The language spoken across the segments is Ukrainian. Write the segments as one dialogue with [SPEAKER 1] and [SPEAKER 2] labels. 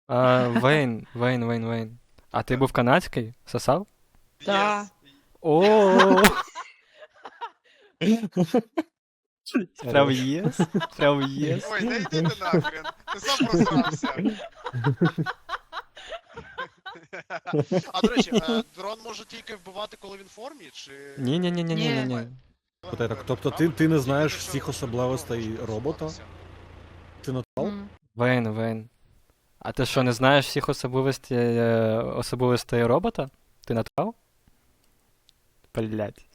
[SPEAKER 1] Вейн. А ти був канадський? Сосав?
[SPEAKER 2] Да.
[SPEAKER 1] О, прям єс? Прям єс?
[SPEAKER 3] Ой, да йди ти нахрен. Ти сам просрався. А до речі, дрон може тільки вбивати, коли він в формі, чи.
[SPEAKER 1] Ні.
[SPEAKER 4] Питай так, тобто ти не знаєш всіх особливостей робота? Ти натурал?
[SPEAKER 1] Вейн. А ти що, не знаєш всіх особливостей робота? Ти натурал? Блять.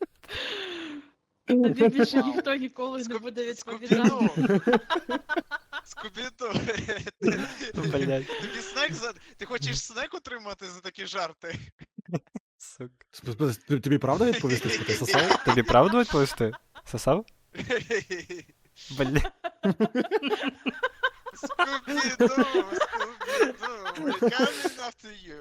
[SPEAKER 2] Тобі більше ніхто ніколи не буде відповідати.
[SPEAKER 3] Скубіду.
[SPEAKER 1] Блять.
[SPEAKER 3] Тобі снек за. Ти хочеш снек отримати за такі жарти?
[SPEAKER 1] Сука.
[SPEAKER 4] Тобі правда відповісти, що ти сосав?
[SPEAKER 1] Тобі правду відповісти? Сосав? Бля.
[SPEAKER 3] Скубіду, we're coming after you.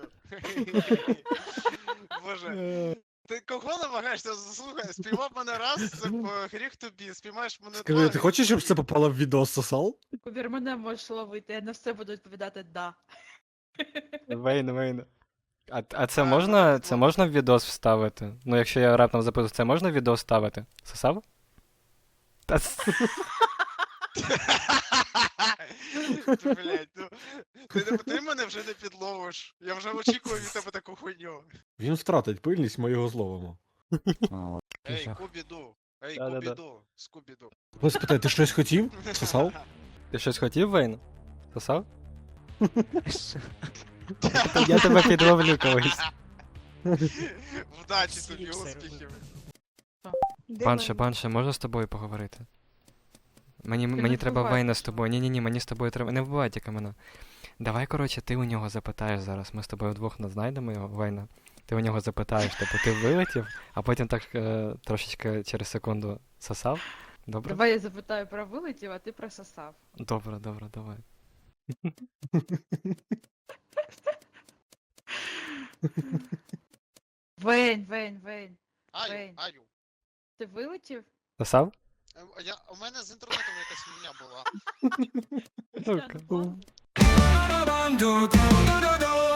[SPEAKER 3] Боже. Ти кого намагаєшся? Слухай, спіймав мене раз, це гріх тобі, спіймаєш мене
[SPEAKER 4] Скажи,
[SPEAKER 3] два.
[SPEAKER 4] ти хочеш, щоб це попало в відео сосал?
[SPEAKER 2] Кубір, мене можеш ловити, я на все буду відповідати «да».
[SPEAKER 1] Вейн. А це можна в відос вставити? Ну, якщо я раптом запитую, це можна в відос ставити? Сосав? Та
[SPEAKER 3] Блять, ну ти мене вже не підловиш. Я вже очікую від тебе таку хуйню.
[SPEAKER 4] Він втратить пильність, ми його зловимо.
[SPEAKER 3] Ей, Кубіду. Ей,
[SPEAKER 1] Да-да-да.
[SPEAKER 3] Кубіду. Скубіду.
[SPEAKER 4] Ось питай, ти щось хотів? Сосав?
[SPEAKER 1] Ти щось хотів, Вейн? Сосав? Я тебе підловлю колись.
[SPEAKER 3] Вдачі тобі, успіхів.
[SPEAKER 1] Банше, можна з тобою поговорити? Мені
[SPEAKER 2] не
[SPEAKER 1] треба
[SPEAKER 2] вбивай
[SPEAKER 1] Вейна з
[SPEAKER 2] мене.
[SPEAKER 1] тобою. Ні, мені з тобою треба. Не вбивай тільки мене. Давай, коротше, ти у нього запитаєш зараз. Ми з тобою вдвох знайдемо його, Вейна. Ти у нього запитаєш, типу, ти вилетів, а потім так трошечки через секунду сосав. Добре?
[SPEAKER 2] Давай я запитаю про вилетів, а ти про сосав.
[SPEAKER 1] Добре, давай.
[SPEAKER 2] Вейн.
[SPEAKER 3] Аю,
[SPEAKER 2] Вейн.
[SPEAKER 3] аю.
[SPEAKER 2] Ти вилетів?
[SPEAKER 1] Сосав?
[SPEAKER 3] У мене з інтернетом якась фігня була.
[SPEAKER 2] Я не можу.
[SPEAKER 1] Сука.